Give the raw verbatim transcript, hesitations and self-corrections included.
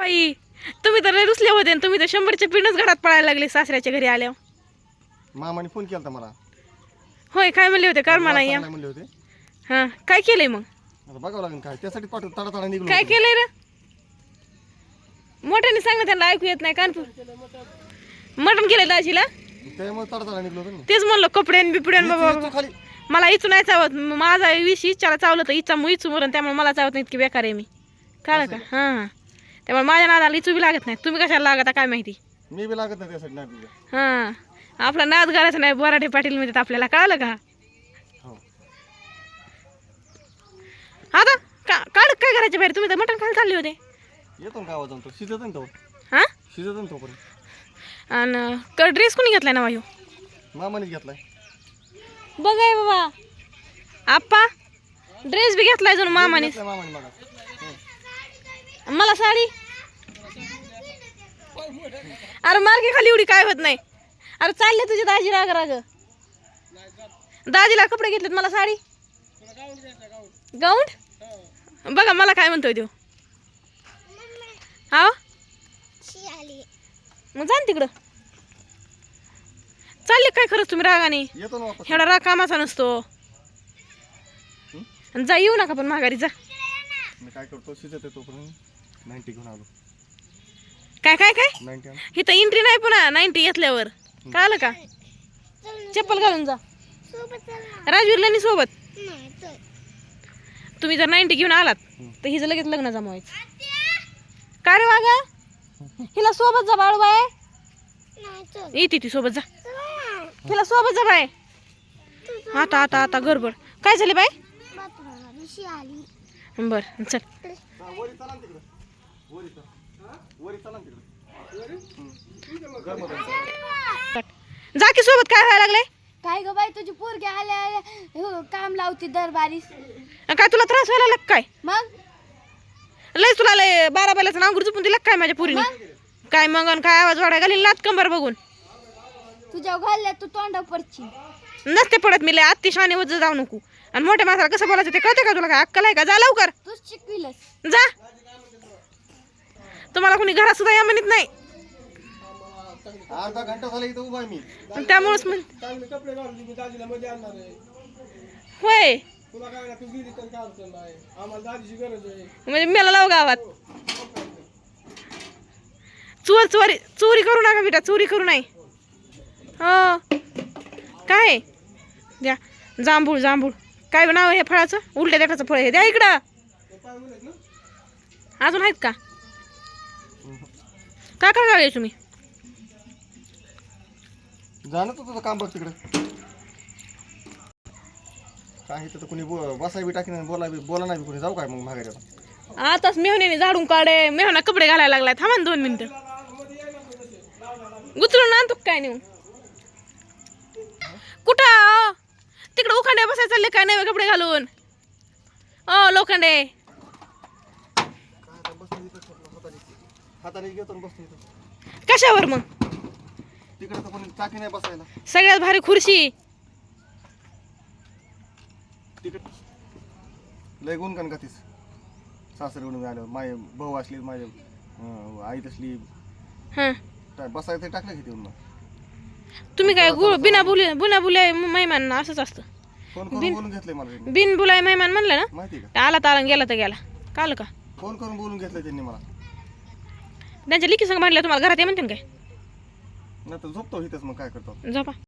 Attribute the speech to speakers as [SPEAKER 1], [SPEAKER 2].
[SPEAKER 1] बाई तुम्ही तर लय रुसले होते आणि तुम्ही तर शंभरच्या पिणच घरात पळायला लागले सासऱ्याच्या घरी आल्यावर.
[SPEAKER 2] मामाने फोन केला मला.
[SPEAKER 1] होय काय म्हणले होते कर म्हणा या.
[SPEAKER 2] म्हणले होते.
[SPEAKER 1] हा काय केलंय मग?
[SPEAKER 2] आता बघावं लागेल काय त्यासाठी पाठव तडा तडा निघलो.
[SPEAKER 1] काय केलंय रे? मोठ्याने सांग ना, त्यांना ऐकू येत नाही कानपूर. मटण केलंय दाजीला
[SPEAKER 2] त्यामुळे तडा तडा निघलो होतो.
[SPEAKER 1] तेच म्हणलं कपड्यान बिपड्यान बाबा.
[SPEAKER 2] तू खाली
[SPEAKER 1] मला इचू नाही चावत. माझा विष इच्छाला चावलं तर इच्छा मग इचू मरण, त्यामुळे मला चावत नाही इतकी बेकार आहे मी. कळलं का? हां हां त्यामुळे माझ्या नादाला इचू बी लागत नाही. तुम्ही कशाला लागता काय माहिती.
[SPEAKER 2] मी बी लागत नाही त्यासाठी नाही तुझ्या.
[SPEAKER 1] हां आपला नाद घालायचा नाही. बोराटे पाटील म्हणतात आपल्याला. कळलं का?
[SPEAKER 2] हो
[SPEAKER 1] आता का काढ काय करायचे बाहेर? तुम्ही तर मटण खायला चालले होते.
[SPEAKER 2] येतो ना गावात जाऊन तो शिजत ना तो.
[SPEAKER 1] हां
[SPEAKER 2] शिजत ना तोपर्यंत.
[SPEAKER 1] आणि ड्रेस कोणी घेतलाय ना वायू?
[SPEAKER 2] मामाने घेतलाय.
[SPEAKER 1] बघाय बाबा आप्पा ड्रेस बी घेतलाय जणू मामाने.
[SPEAKER 2] घेतलाय मामाने मला.
[SPEAKER 1] मला साडी. अरे मार्गे खाली एवढी काय होत नाही. अरे चालले तुझे दाजी राग राग. दाजीला कपडे घेतलेत मला साडी गाऊन. बघा मला काय म्हणतोय तो. हा मग जा ना तिकडं. चालले काय खरंच तुम्ही रागाने?
[SPEAKER 2] येतो ना वापस.
[SPEAKER 1] एवढा राग कामाचा नसतो. जा येऊ नका पण माघारी जा.
[SPEAKER 2] मी काय करतो शिजत आहे तोपर्यंत नाईन्टी घेऊन आलो.
[SPEAKER 1] काय काय काय
[SPEAKER 2] नाईन्टी आण.
[SPEAKER 1] इथं एंट्री नाही पुन्हा नाईन्टी घेतल्यावर. कळलं का? चप्पल घालून जा. राजवीरला नी सोबत. तुम्ही जर नाईन्टी घेऊन आलात तर हिचं लगेच लग्न जमवायचं. काय रे वागा हिला सोबत जा बाळू बाय. येते ती सोबत जा. हिला सोबत जा बाय. आता आता आता गडबड काय झाले बाय? बर चल
[SPEAKER 2] वरी चला ना तिकडं. वरी चला. वरी चला ना तिकडं. गरम होतं.
[SPEAKER 1] जा की सोबत. काय व्हायला लागले?
[SPEAKER 3] काय ग बाई तुझी पोरगी आल्या आल्या हो, काम लावती दरबारीस.
[SPEAKER 1] काय तुला त्रास व्हायला लागला काय?
[SPEAKER 3] मग
[SPEAKER 1] लय तुला लय बारा बैलाचं नांगूर झुपून दिला काय माझ्या पुरीने? काय मग अन काय आवाज वाढाय घालील नात कंबर बघून.
[SPEAKER 3] तुझ्या घालल्या तू तोंडा पडची.
[SPEAKER 1] नसते पडत मी लय आत्ती शाने वज जाऊ नको. आणि मोठ्या माणसाला कसं बोलायचं ते कळते का तुला? काय अक्कल आहे का? जा लवकर
[SPEAKER 3] तूच शिकविलस.
[SPEAKER 1] जा. तुम्हाला कोणी घरात सुद्धा या म्हणत नाही.
[SPEAKER 2] अर्धा घंटा झाला इथं उभा आहे मी.
[SPEAKER 1] आणि त्यामुळेच म्हण
[SPEAKER 4] चांगले कपडे घालून मी दाजीला मध्ये आणणार आहे.
[SPEAKER 1] होय
[SPEAKER 4] तुला काय ना तू गेली तर काय अडचण नाही. आम्हाला दाजीची गरज आहे.
[SPEAKER 1] म्हणजे मला लाव गावात. चोर चोरी चोरी करू नका बेटा. चोरी करू नाही. हो काय द्या जांभूळ जांभूळ. काय नाव आहे हे फळाचं? उलट्या देठाचं फळ आहे. द्या इकडं. अजून आहेत का? काय काय लागले तुम्ही?
[SPEAKER 2] जाणं तर तुझं काम बघ तिकडे. काय इथं तर कोणी बसाय बी टाकी नाही. बोला बी बोला नाही बी कोणी. जाऊ काय मग माघारी आता?
[SPEAKER 1] आताच मेहण्याने झाडून काढे. मेहना कपडे घालायला लागलाय. थांबा ना दोन मिनिटं. उचलून आणतो काय नेऊन? कुठं तिकडे उखांडे बसायला चालले काय नाही कपडे घालून? ओ लोखंडे
[SPEAKER 2] हाताने घेतो बसतो इथं.
[SPEAKER 1] कशावर मग?
[SPEAKER 2] तिकडे तर कोणी टाकी नाही बसायला.
[SPEAKER 1] सगळ्यात भारी खुर्शी.
[SPEAKER 2] तिकडे लय गुण का तीस सासरे म्हणून आलं. माझे भाऊ असली माझे अं, आई तसली
[SPEAKER 1] हां
[SPEAKER 2] काय बसायचं टाकलं घेते मग.
[SPEAKER 1] तुम्ही काय गुळ बिना बोली बुना बुलाय मेहमान असंच असतं.
[SPEAKER 2] फोन करून बोलून घेतलंय मला त्यांनी.
[SPEAKER 1] बिन बुलाय मेहमान म्हणलं ना
[SPEAKER 2] माहिती का?
[SPEAKER 1] आला ताला गेला तर गेला. काल का
[SPEAKER 2] फोन करून बोलून घेतलंय त्यांनी मला.
[SPEAKER 1] त्यांच्या लिखी संग म्हणलं तुम्हाला घरात ये म्हणते काय?
[SPEAKER 2] नाही तर झोपतो इथंच मग काय करतो.
[SPEAKER 1] झोपा.